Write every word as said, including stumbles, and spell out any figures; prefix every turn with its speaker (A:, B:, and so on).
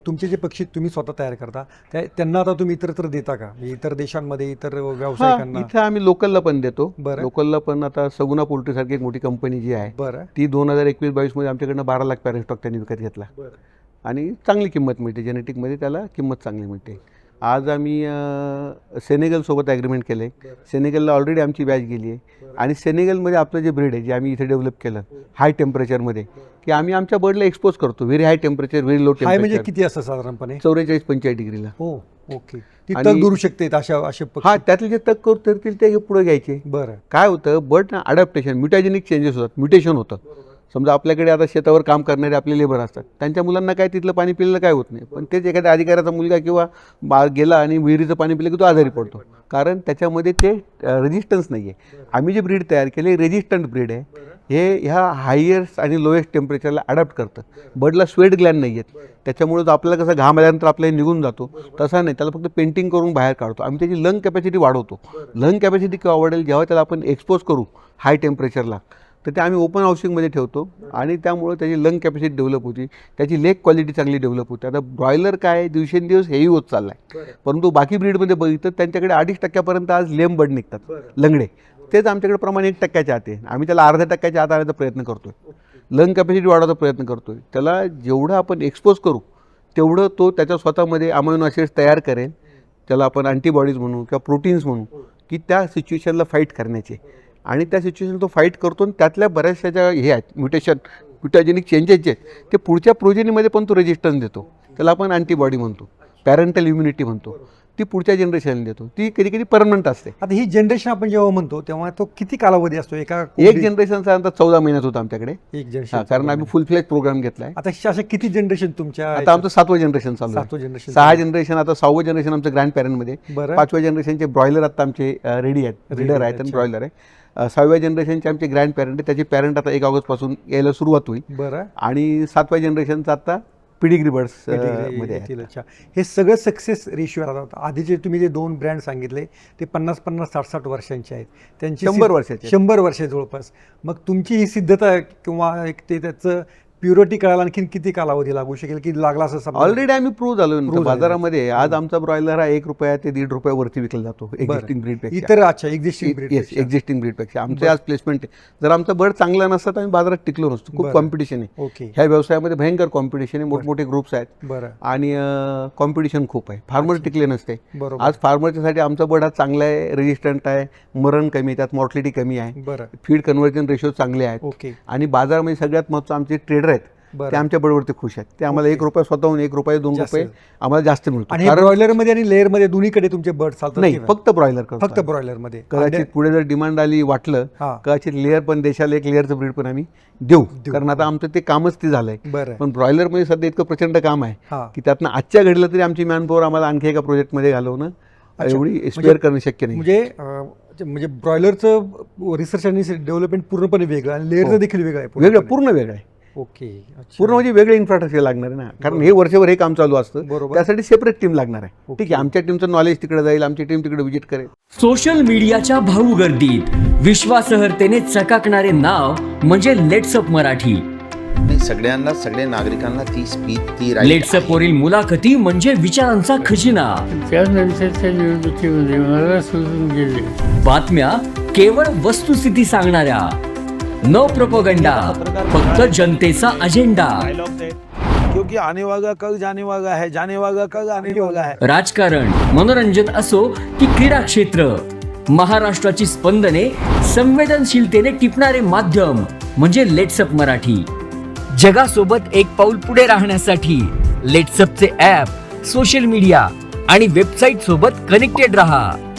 A: तुमचे जे पक्षी तुम्ही स्वतः तयार करता त्या त्यांना आता तुम्ही इतरत्र देता का? इतर देशांमध्ये इतर व्यावसायिकांना?
B: इथे आम्ही लोकलला पण देतो.
A: बरं.
B: लोकलला पण आता सगुना पोल्ट्री सारखी एक मोठी कंपनी जी आहे
A: बरं.
B: ती दोन हजार एकवीस बावीस मध्ये आमच्याकडनं बारा लाख पॅरेंट स्टॉक त्यांनी विकत घेतला आणि चांगली किंमत मिळते. जेनेटिकमध्ये त्याला किंमत चांगली मिळते. आज आम्ही सेनेगलसोबत ॲग्रीमेंट केलं आहे. सेनेगलला ऑलरेडी आमची बॅच गेली आहे आणि सेनेगलमध्ये आपलं जे ब्रीड आहे जे आम्ही इथे डेव्हलप केलं हाय टेम्परेचरमध्ये की आम्ही आमच्या बर्डला एक्सपोज करतो. Very high temperature very low
A: high म्हणजे
B: टेम्परेचर
A: किती असतं साधारणपणे?
B: चौवेचाळीस पंचेचाळीस डिग्रीला.
A: हो ओके. ती
B: आणि-
A: तग दुरू शकते अशा असे पक्षी?
B: हा त्यातले जे तक करू करतील ते पुढे घ्यायचे.
A: बरं.
B: काय होतं बर्ड ना अडॅप्टेशन म्युटॅजेनिक चेंजेस होतात. म्युटेशन होतं. समजा आपल्याकडे आता शेतावर काम करणारे आपले लेबर असतात त्यांच्या मुलांना काय तिथलं पाणी पिलेलं काय होत नाही, पण तेच एखाद्या अधिकाऱ्याचा मुलगा किंवा बा गेला आणि विहिरीचं पाणी पिलं की तो आजारी पडतो, कारण त्याच्यामध्ये ते रेजिस्टन्स नाही आहे. आम्ही जे ब्रीड तयार केले रेजिस्टंट ब्रीड आहे. हे ह्या हायेस्ट आणि लोएस्ट टेम्परेचरला अडॅप्ट करतं. बर्डला स्वेट ग्लॅन्ड नाही आहेत, त्याच्यामुळे तो आपल्याला कसं घाम आल्यानंतर आपल्याला निघून जातो तसा नाही, त्याला फक्त पेंटिंग करून बाहेर काढतो. आम्ही त्याची लंग कॅपॅसिटी वाढवतो. लंग कॅपॅसिटी केव्हा वाढेल? जेव्हा त्याला आपण एक्सपोज करू हाय टेम्परेचरला, तर ते आम्ही ओपन हाऊसिंगमध्ये ठेवतो आणि त्यामुळे त्याची लंग कॅपॅसिटी डेव्हलप होती, त्याची लेग क्वालिटी चांगली डेव्हलप होते. आता ब्रॉयलर काय दिवसेंदिवस हेही होत चालला आहे, परंतु बाकी ब्रीडमध्ये बघितलं त्यांच्याकडे अडीच टक्क्यापर्यंत आज लेम बर्ड निघतात लंगडे. तेच आमच्याकडे प्रमाण एक टक्क्याच्या आत आहे. आम्ही त्याला अर्ध्या टक्क्याच्या आत आणण्याचा प्रयत्न करतोय. लंग कॅपॅसिटी वाढवायचा प्रयत्न करतोय. त्याला जेवढं आपण एक्सपोज करू तेवढं तो त्याच्या स्वतःमध्ये अमायनो ॲसिड्स तयार करेल. त्याला आपण अँटीबॉडीज म्हणू किंवा प्रोटीन्स म्हणू की त्या सिच्युएशनला फाईट करण्याचे, आणि त्या सिच्युएशन तो फाईट करतो आणि त्यातल्या बऱ्याचशा ज्या हे आहेत म्युटेशन म्युटॅजेनिक चेंजेस जे आहेत ते पुढच्या प्रोजेनीमध्ये पण तो रेजिस्टन्स देतो. त्याला आपण अँटीबॉडी म्हणतो, पॅरेंटल इम्युनिटी म्हणतो. ती पुढच्या जनरेशनला देतो. ती कधी कधी परमनंट असते.
A: आता ही जनरेशन आपण जेव्हा म्हणतो तेव्हा तो किती कालावधी असतो? एका
B: एक जनरेशनचा अंतर चौदा महिन्यात होता आमच्याकडे.
A: एक जनरेशन,
B: कारण आम्ही फुल फ्लेज प्रोग्राम घेतलाय.
A: आता अशा किती जनरेशन तुमच्या?
B: आता आमचं सातवं जनरेशन चालू आहे.
A: सातवं जनरेशन,
B: सहा जनरेशन, आता सहावं जनरेशन आमचं ग्रँड पॅरेंटमध्ये.
A: बरं.
B: पाचव्या जनरेशनचे ब्रॉयलर आता आमचे रेडी आहेत, रीडर आहेत आणि ब्रॉयलर आहे. सहाव्या जनरेशनचे आमचे ग्रँड पॅरेंट आहे, त्याची पॅरेंट आता एक ऑगस्टपासून यायला सुरुवात होईल.
A: बरं.
B: आणि सातव्या जनरेशनचा आता पिडिग्री बर्ड्स मध्ये आहे.
A: अच्छा, हे सगळं सक्सेस रेशिओ राहतात. आधीचे तुम्ही जे दोन ब्रँड सांगितले ते पन्नास पन्नास साठ साठ वर्षांचे आहेत, त्यांची
B: शंभर वर्षाचे
A: शंभर वर्ष जवळपास. मग तुमची ही सिद्धता किंवा एक ते त्याचं प्युरिटी कळायला आणखीन किती कालावधी लागू शकेल की लागला असं समजा?
B: ऑलरेडी आम्ही प्रूव्ह झालो बाजारामध्ये. आज आमचा ब्रॉयलर हा एक रुपया ते दीड रुपयावरती विकला जातो एक्झिस्टिंग ब्रीड पेक्षा.
A: इतर अच्छा एक्झिस्टिंग ब्रीड
B: एक्झिस्टिंग ब्रीड पेक्षा आमचे आज प्लेसमेंट आहे. जर आमचा बर्ड चांगला नसता तर आम्ही बाजारात टिकलो नसतो. खूप कॉम्पिटिशन आहे.
A: ओके.
B: ह्या व्यवसायामध्ये भयंकर कॉम्पिटिशन आहे. मोठमोठे ग्रुप्स आहेत.
A: बरं.
B: आणि कॉम्पिटिशन खूप आहे. फार्मर टिकले नसते.
A: बरोबर.
B: आज फार्मरच्यासाठी आमचा बर्ड हा चांगला आहे, रेजिस्टंट आहे, मरण कमी, त्यात मॉर्टिलिटी कमी आहे.
A: बरं.
B: फीड कन्व्हर्जन रेशो चांगले आहेत.
A: ओके.
B: आणि बाजारामध्ये सगळ्यात महत्त्वाचं आमचे ट्रेडर आहेत ते आमच्या बर्डवरती खुश आहेत. ते आम्हाला एक रुपया स्वतःहून एक रुपये दोन रुपये आम्हाला जास्त मिळतो.
A: आणि ब्रॉयलर मध्ये आणि लेअर मध्ये दोन्हीकडे तुमचे बर्ड चालतात?
B: नाही, फक्त ब्रॉयलर.
A: फक्त ब्रॉयलर मध्ये.
B: कदाचित पुढे जर डिमांड आली वाटलं कदाचित लेअर पण देशाला एक लेअरचं ब्रीड पण आम्ही देऊ, कारण आता आमचं ते कामच ते झालंय.
A: बरं.
B: पण ब्रॉयलर मध्ये सध्या इतकं प्रचंड काम आहे
A: हा.
B: की त्यातनं आजच्या घडलं तरी आमची मॅनपॉवर आम्हाला आणखी एका प्रोजेक्टमध्ये घालवणं एवढी स्पेअर करणं शक्य नाही.
A: म्हणजे म्हणजे ब्रॉयलरचं रिसर्च आणि डेव्हलपमेंट पूर्णपणे वेगळं आणि लेअरचं देखील वेगळं आहे.
B: वेगळं, पूर्ण वेगळं आहे.
A: ओके.
B: पूर्ण म्हणजे वेगळे इन्फ्रास्ट्रक्चर लागणार आहे ना, कारण हे वर्षभर हे काम चालू असतं.
A: बरोबर.
B: त्यासाठी सेपरेट टीम लागणार आहे. ठीक आहे, आमच्या टीमचं नॉलेज तिकडे जाईल, आमची टीम तिकडे व्हिजिट करेल.
C: सोशल मीडियाच्या भाऊ गर्दीत विश्वासार्हतेने चकाकणारे नाव म्हणजे लेट्सअप मराठी.
D: सगळ्यांना, सगळ्या नागरिकांना ती स्पीच ती
C: लेट्सअप वरील मुलाखती म्हणजे विचारांचा खजिना.
E: त्यानंतरच्या निवडणुकीमध्ये मला सोडून गेले.
C: बातम्या केवळ वस्तुस्थिती सांगणाऱ्या, न प्रोपोगंडा, फक्त जनतेचा अजेंडा.
F: क्योंकि आने वाला कल जाने वाला है, जाने वाला कल आने वाला है.
C: राजकारण, मनोरंजन असो की क्रीडा क्षेत्र, महाराष्ट्राची स्पंदने संवेदनशीलतेने टिपणारे माध्यम म्हणजे लेट्सअप मराठी. जगासोबत एक पाऊल पुढे राहण्यासाठी लेट्सअपचे ॲप, सोशल मीडिया आणि वेबसाईट सोबत कनेक्टेड रहा.